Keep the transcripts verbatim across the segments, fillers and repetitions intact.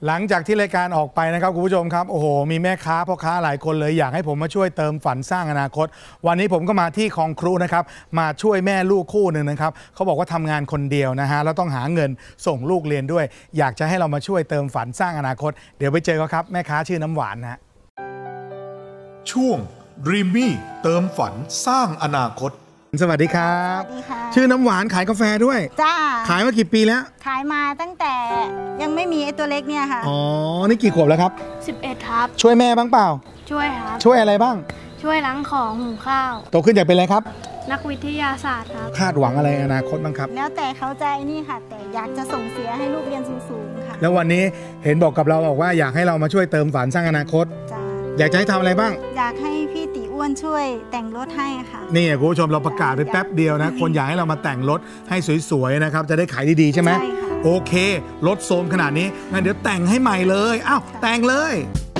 หลังจากที่รายการออกไปนะครับคุณผู้ชมครับโอ้โหมีแม่ค้าพ่อค้าหลายคนเลยอยากให้ผมมาช่วยเติมฝันสร้างอนาคตวันนี้ผมก็มาที่คลองครูนะครับมาช่วยแม่ลูกคู่หนึ่งนะครับเขาบอกว่าทำงานคนเดียวนะฮะแล้วต้องหาเงินส่งลูกเรียนด้วยอยากจะให้เรามาช่วยเติมฝันสร้างอนาคตเดี๋ยวไปเจอเขาครับแม่ค้าชื่อน้ำหวานนะฮะช่วง Dreamy เติมฝันสร้างอนาคตสวัสดีครับชื่อน้ำหวานขายกาแฟด้วยจ้าขายมากี่ปีแล้วขายมาตั้งแต่ยังไม่มีไอ้ตัวเล็กเนี่ยค่ะอ๋อนี่กี่ขวบแล้วครับสิบเอ็ดครับช่วยแม่บ้างเปล่าช่วยครับช่วยอะไรบ้างช่วยล้างของหุงข้าวโตขึ้นอยากเป็นอะไรครับนักวิทยาศาสตร์ครับคาดหวังอะไรอนาคตบ้างครับแล้วแต่เขาใจนี่ค่ะแต่อยากจะส่งเสียให้ลูกเรียนสูงๆค่ะแล้ววันนี้เห็นบอกกับเราบอกว่าอยากให้เรามาช่วยเติมฝันสร้างอนาคตอยากจะให้ทำอะไรบ้างอยากให้พี่ตีอ้วนช่วยแต่งรถให้ค่ะนี่คุณผู้ชมเราประกาศไปแป๊บเดียวนะคนอยากให้เรามาแต่งรถให้สวยๆนะครับจะได้ขายดีๆใช่ไหมใช่ค่ะโอเครถโทรมขนาดนี้งั้นเดี๋ยวแต่งให้ใหม่เลยอ้าวแต่งเลย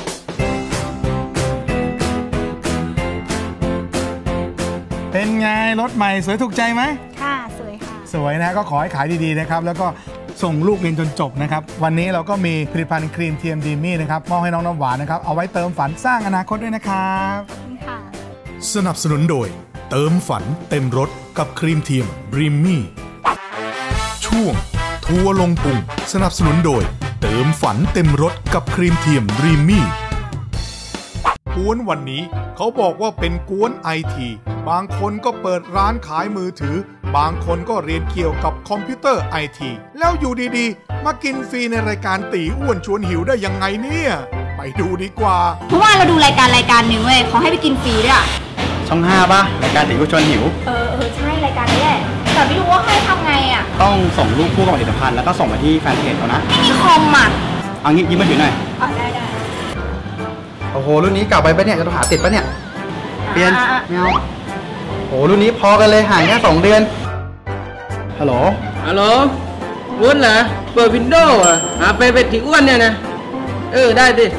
เป็นไงรถใหม่สวยถูกใจไหมค่ะสวยค่ะสวยนะก็ขอให้ขายดีๆนะครับแล้วก็ส่งลูกเรียนจนจบนะครับวันนี้เราก็มีผลิตภัณฑ์ครีมเทียมดีมี่นะครับมอบให้น้องน้ำหวานนะครับเอาไว้เติมฝันสร้างอนาคตด้วยนะครับค่ะสนับสนุนโดยเติมฝันเต็มรถกับครีมเทียมดรีมมี่ช่วงทัวร์ลงพุงสนับสนุนโดยเติมฝันเต็มรถกับครีมเทียมดรีมมี่กวนวันนี้เขาบอกว่าเป็นกวนไอทีบางคนก็เปิดร้านขายมือถือบางคนก็เรียนเกี่ยวกับคอมพิวเตอร์ไอทีแล้วอยู่ดีๆมากินฟรีในรายการตีอ้วนชวนหิวได้ยังไงเนี่ยไปดูดีกว่าเพราะว่าเราดูรายการรายการหนึ่งเว้ยเขาให้ไปกินฟรีด้วยอะช่องห้าป่ะรายการตีอ้วนชวนหิวเออเออใช่รายการนี้แหละแต่ไม่รู้ว่าให้ทำไงอะต้องส่งรูปคู่กับผลิตภัณฑ์แล้วก็ส่งมาที่แฟนเพจเขานะไม่มีคอมอะเอางี้ยิ้มมาถือหน่อยอ๋อได้ได้โอ้โหรุ่นนี้เก่าไปปะเนี่ยจะต้องหาติดปะเนี่ยเปลี่ยนไม่เอาโอ้รุ่นนี้พอกันเลยห่างแค่สองเดือนฮัลโหลฮัลโหลอ้วนเหรอเปิดวินโดว์อ่ะหาไปเป็นที่อ้วนเนี่ยนะเออได้ดิ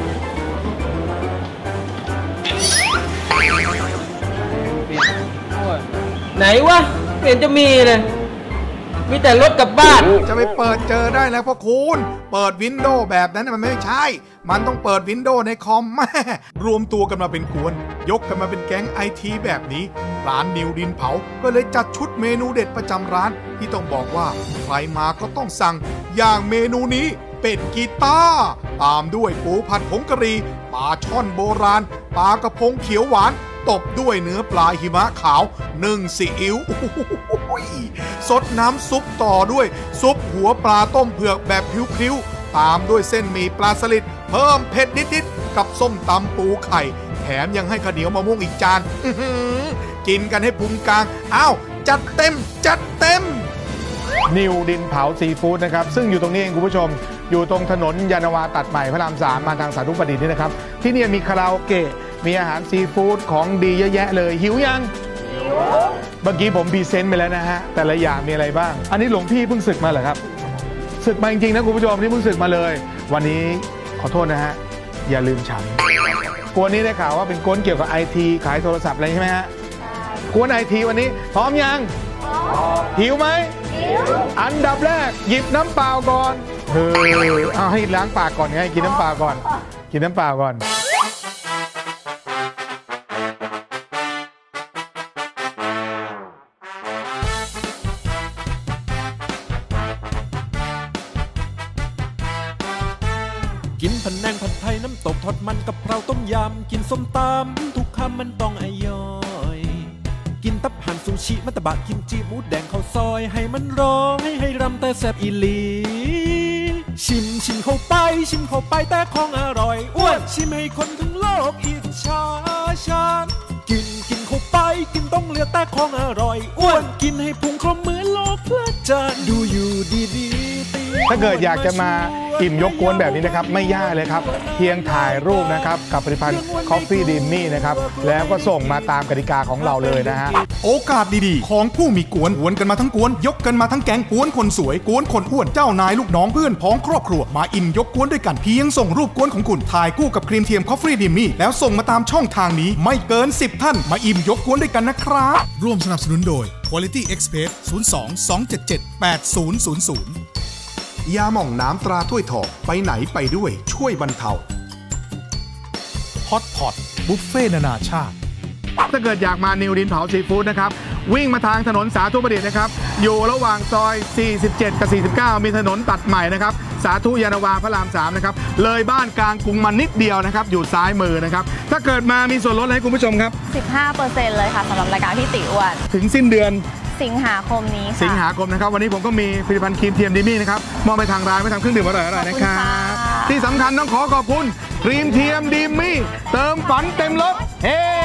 ไหนวะไม่เห็นจะมีเลยมีแต่รถกับบ้านจะไปเปิดเจอได้แล้วพ่อคุณเปิดวินโดว์แบบนั้นมันไม่ใช่มันต้องเปิดวินโดว์ในคอมแม่รวมตัวกันมาเป็นกวนยกกันมาเป็นแก๊งไอทีแบบนี้ร้านนิวดินเผาก็เลยจัดชุดเมนูเด็ดประจำร้านที่ต้องบอกว่าใครมาก็ต้องสั่งอย่างเมนูนี้เป็ดกีต้าตามด้วยปูผัดผงกะหรี่ปลาช่อนโบราณปลากระพงเขียวหวานตบด้วยเนื้อปลาหิมะขาวนึ่งซีอิ๊วสดน้ำซุปต่อด้วยซุปหัวปลาต้มเผือกแบบพริ้วๆตามด้วยเส้นหมี่ปลาสลิดเพิ่มเผ็ดนิดๆกับส้มตำปูไข่แถมยังให้ข้าวเหนียวมะม่วงอีกจานกินกันให้พุงกลางอ้าวจัดเต็มจัดเต็มนิวดินเผาซีฟู้ดนะครับซึ่งอยู่ตรงนี้เองคุณผู้ชมอยู่ตรงถนนยานนาวาตัดใหม่พระรามสามมาทางสาธุประดิษฐ์นี่นะครับที่นี่มีคาราโอเกะมีอาหารซีฟู้ดของดีเยอะแยะเลยหิวยังหิวเมื่อกี้ผมพรีเซนต์ไปแล้วนะฮะแต่ละอย่างมีอะไรบ้างอันนี้หลวงพี่เพิ่งศึกมาเหรอครับศึกมาจริงๆนะคุณผู้ชมนี่เพิ่งศึกมาเลยวันนี้ขอโทษนะฮะอย่าลืมฉันกวนนี้ได้ข่าวว่าเป็นกวนเกี่ยวกับไอทีขายโทรศัพท์อะไรใช่ไหมฮะกวนไอทีวันนี้พร้อมยังหิวไหมอันดับแรกหยิบน้ำเปล่าก่อนเฮ้ยเอาให้ล้างปากก่อนไงกินน้ำเปล่าก่อนกินน้ำเปล่าก่อนกินผัดแนงผัดไทยน้ำตกทอดมันกับเพราต้มยำกินส้มตำทุกคำมันต้องอร่อยกินตับห่านซูชิมัตตบะกิมจิหมูแดงข้าวซอยให้มันร้องให้ให้รำแต่แซ่บอีหลีชิมชิมเข้าไปชิมเข้าไปแต่ของอร่อยอ้วนชิมให้คนทั้งโลกอิจฉาฉันกินกินเข้าไปกินต้องเหลือแต่ของอร่อยอ้วนกินให้พุงครบเหมือนโลกเพลิดเพลินดูอยู่ดีๆถ้าเกิดอยากจะมาอิ่มยกกวนแบบนี้นะครับไม่ยากเลยครับเพียงถ่ายรูปนะครับกับผลิตภัณฑ์ Coffee Dreamy นะครับแล้วก็ส่งมาตามกติกาของเราเลยนะฮะโอกาสดีๆของผู้มีกวนกวนกันมาทั้งกวนยกกันมาทั้งแก๊งกวนคนสวยกวนคนอ้วนเจ้านายลูกน้องเพื่อนพ้องครอบครัวมาอิ่มยกกวนด้วยกันเพียงส่งรูปกวนของคุณถ่ายคู่กับครีมเทียม Coffee Dreamy แล้วส่งมาตามช่องทางนี้ไม่เกินสิบท่านมาอิ่มยกกวนด้วยกันนะครับร่วมสนับสนุนโดย Quality Express ศูนย์ สอง สอง เจ็ด เจ็ด แปด ศูนย์ ศูนย์ ศูนย์ยาหม่องน้ำตราถ้วยทองไปไหนไปด้วยช่วยบรรเทาฮอตพอตบุฟเฟ่นานาชาติถ้าเกิดอยากมานิวดินเผาซีฟู้ดนะครับวิ่งมาทางถนนสาธุประดิษฐ์นะครับอยู่ระหว่างซอยสี่สิบเจ็ดกับสี่สิบเก้ามีถนนตัดใหม่นะครับสาธุยานาวาพระรามสามนะครับเลยบ้านกลางกรุงมานิดเดียวนะครับอยู่ซ้ายมือนะครับถ้าเกิดมามีส่วนลดให้คุณผู้ชมครับสิบห้าเปอร์เซ็นต์ เลยค่ะสำหรับรายการพี่ติอ้วนถึงสิ้นเดือนสิงหาคมนี้ค่ะสิงหาคมนะครับวันนี้ผมก็มีผลิตภัณฑ์ครีมเทียมดิมี่นะครับมอบไปทางร้านไปทำเครื่องดื่มอร่อยๆนะครับที่สำคัญต้องขอขอบคุณครีมเทียมดิมี่เติมฝันเต็มรถเฮ้